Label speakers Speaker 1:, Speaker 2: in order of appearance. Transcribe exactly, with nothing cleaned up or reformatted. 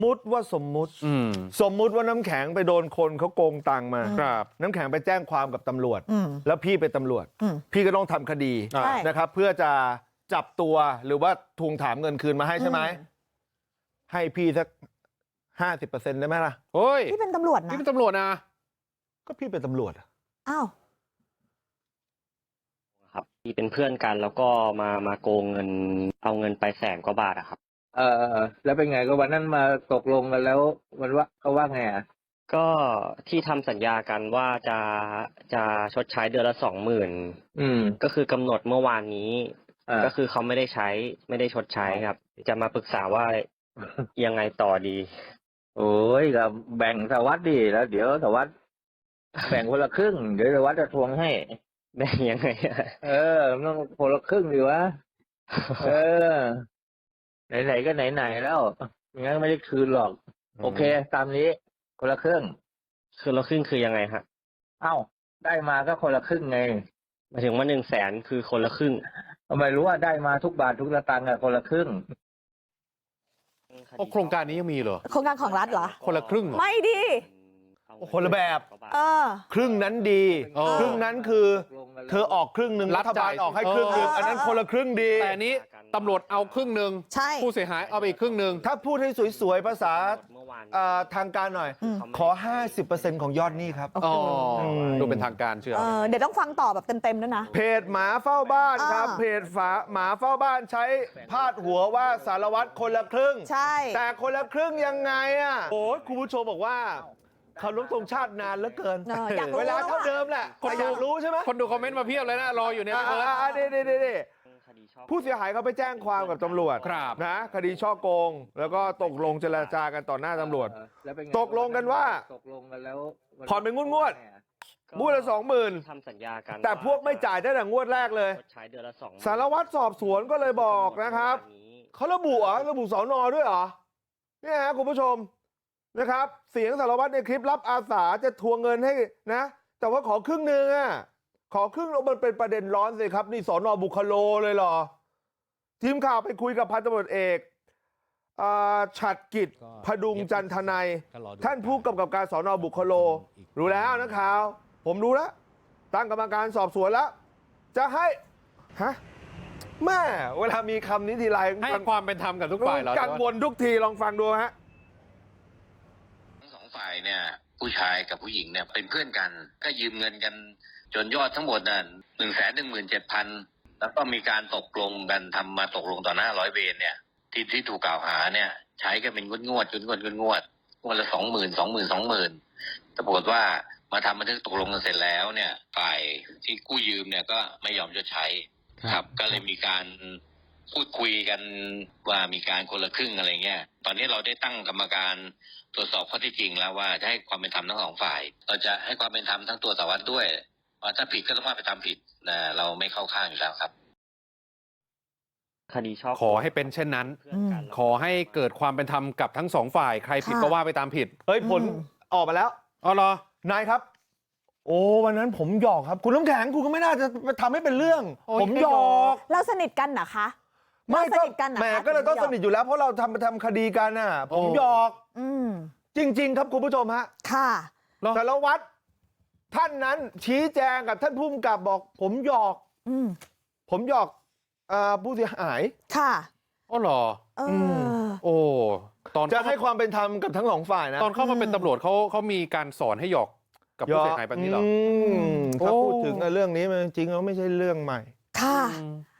Speaker 1: มุติว่าสมมุติสมมุติว่าน้ำแข็งไปโดนคนเขาโกงตังค์มาครับน้ำแข็งไปแจ้งความกับตำรวจแล้วพี่เป็นตำรวจพี่ก็ต้องทำคดีนะครับเพื่อจะจับตัวหรือว่าทวงถามเงินคืนมาให้ใช่ไหมให้พี่สักห้าสิบเปอร์เซ็นต์ได้ไหมล่ะ
Speaker 2: โอ้ย
Speaker 3: พี่เป็นตำรวจนะ
Speaker 2: พี่เป็นตำรวจนะ
Speaker 1: ก็พี่เป็นตำรวจ
Speaker 3: อ้าว
Speaker 4: ครับพี่เป็นเพื่อนกันแล้วก็มามาโกงเงินเอาเงินไปแสนกว่าบาทอะครับ
Speaker 5: เออแล้วเป็นไงก็วันนั้นมาตกลงกันแล้วมันว่าเขาว่าไงอ่ะ
Speaker 4: ก็ที่ทำสัญญากันว่าจะจะชดใช้เดือนละสองหมื่น
Speaker 5: อืม
Speaker 4: ก็คือกำหนดเมื่อวานนี้ก็คือเขาไม่ได้ใช้ไม่ได้ชดใช้ครับจะมาปรึกษาว่ายังไงต่อดี
Speaker 5: โอ้ยก็แบ่งสวัสดีแล้วเดี๋ยวสวัสดิ์แบ่งคนละครึ่งเดี๋ยวสวัสดิ์จะทวงให้
Speaker 4: แบ่งยังไง
Speaker 5: เออต้องคนละครึ่งดีวะเออไหนๆก็ไหนๆแล้วงั้นไม่ได้คืนหรอกโอเคตามนี้คนละครึ่ง
Speaker 4: คือละครึ่งคือยังไงฮะ
Speaker 5: เอ้าได้มาก็คนละครึ่งไง
Speaker 4: หมายถึงว่าหนึ่งแสนคือคนละครึ่ง
Speaker 5: ทำไมรู้ว่าได้มาทุกบาททุกสตางค์อะคนละครึ่ง
Speaker 2: โครงการนี้ยังมีเหรอ
Speaker 3: โครงการของรัฐเหรอ
Speaker 2: คนละครึ่ง
Speaker 3: ไม่ดี
Speaker 1: คนละแบบ
Speaker 3: เออ
Speaker 1: ครึ่งนั้นดีครึ่งนั้นคือเธอออกครึ่งหนึ่งรัฐบาลออกให้ครึ่งหนึ่งอันนั้นคนละครึ่งดี
Speaker 2: แต่นี้ตำรวจเอาครึ่งหนึ่งผู้เสียหายเอาไปอีกครึ่งหนึ่ง
Speaker 1: ถ้าพูดให้สวยๆภาษาทางการหน่อยขอ ห้าสิบเปอร์เซ็นต์ ของยอดหนี้ครับ
Speaker 2: ดูเป็นทางการเชื่อ
Speaker 3: เดี๋ยวต้องฟังต่อแบบเต็มๆด้วยนะ
Speaker 1: เพจหมาเฝ้าบ้านครับเพจฝาหมาเฝ้าบ้านใช้พาดหัวว่าสารวัตรคนละครึ่ง
Speaker 3: ใช่
Speaker 1: แต่คนละครึ่งยังไงอ่ะโอ้ยคุณผู้ชมบอกว่าเคารพธงชาตินานเหลือเกินเวลาเท่าเดิมแหละคนอยากรู้ใช่ไหม
Speaker 2: คนดูคอมเมนต์มาเพียบเลยนะรออยู่เนี่ย
Speaker 1: อ่าเด้เด้เด้ผู้เสียหายเขาไปแจ้งความกับตำรวจนะคดีช่อโกงแล้วก็ตกลงเจรจากันต่อหน้าตำรวจตกลงกันว่า
Speaker 5: ตกลงกันแล้ว
Speaker 1: ผ่อนเป็นงวดงวดงวดละสองหมื่น
Speaker 4: ทำสัญญากัน
Speaker 1: แต่พวกไม่จ่ายตั้งแต่งวดแรกเลยสารวัตรสอบสวนก็เลยบอกนะครับเขาระบุเหรอระบุสอนอด้วยเหรอเนี่ยฮะคุณผู้ชมนะครับเสียงสารวัตรในคลิปรับอาสาจะทวงเงินให้นะแต่ว่าขอครึ่งหนึ่งอ่ะขอครึ่งแล้วมันเป็นประเด็นร้อนสิครับนี่สอนอบุคโลเลยเหรอทีมข่าวไปคุยกับพันตำรวจเอกฉัตรกิจพดุงจันทนายท่านผู้กำกับการสอนอบุคโลรู้แล้วนะข่าวผมรู้แล้วตั้งกรรมการสอบสวนแล้วจะให้ฮะแม่เวลามีคำนี้ทีไร
Speaker 2: ให้ความเป็นธรรมกับทุกฝ่าย
Speaker 1: กังวลทุกทีลองฟังดูฮะ
Speaker 6: ฝ่ายเนี่ยผู้ชายกับผู้หญิงเนี่ยเป็นเพื่อนกันก็ยืมเงินกันจนยอดทั้งหมดน่ะหนึ่งแสนหนึ่งหมื่นเจ็ดพันแล้วก็มีการตกลงกันทำมาตกลงต่อหน้าร้อยเวรเนี่ยที่ที่ถูกกล่าวหาเนี่ยใช้กันเป็นงวดงวดจนงวดงวดงวดงวดละสองหมื่นสองหมื่นสองหมื่นแต่ปรากฏว่ามาทำบันทึกตกลงกันเสร็จแล้วเนี่ยฝ่ายที่กู้ยืมเนี่ยก็ไม่ยอมชดใช้ครับก็เลยมีการพูดคุยกันว่ามีการคนละครึ่งอะไรเงี้ยตอนนี้เราได้ตั้งกรรมการตรวจสอบข้อเท็จจริงแล้วว่าจะให้ความเป็นธรรมทั้งสองฝ่ายเราจะให้ความเป็นธรรมทั้งตัวสารวัตรด้วยว่าถ้าผิดก็ต้องว่าไปตามผิดนะเราไม่เข้าข้างอยู่แล้วครับ
Speaker 4: คดีชอบ
Speaker 2: ขอให้เป็นเช่นนั้นขอให้เกิดความเป็นธรรมกับทั้งสองฝ่ายใครผิดก็ว่าไปตามผิด
Speaker 1: เฮ้ยผลออกมาแล้ว
Speaker 2: อ๋อเหรอน
Speaker 1: ายครับโอ้วันนั้นผมหยอกครับคุณน้ำแข็งคุณก็ไม่น่าจะทำให้เป็นเรื่องผมหยอก
Speaker 3: เราสนิทกันนะคะ
Speaker 1: ไม่ก็แหมก็เลยต้องสนิทอยู่แล้วเพราะเราทำทำคดีกันน่ะผมหยอกจริงๆครับคุณผู้ชมฮะ
Speaker 3: ค่ะ
Speaker 1: สารวัตรท่านนั้นชี้แจงกับท่านผู้กำกับบอกผมหยอกผมหยอกผู้เสียหาย
Speaker 3: ค่ะ
Speaker 2: อ๋อเหรอโอ้
Speaker 1: ตอนจะให้ความเป็นธรรมกับทั้งสองฝ่ายนะ
Speaker 2: ตอนเข้ามาเป็นตำรวจเขาเขามีการสอนให้หยอกกับผู้เสียหายแบบนี้เหรอ
Speaker 1: ถ้าพูดถึงเรื่องนี้มันจริงๆแล้วไม่ใช่เรื่องใหม่
Speaker 3: ค่ะ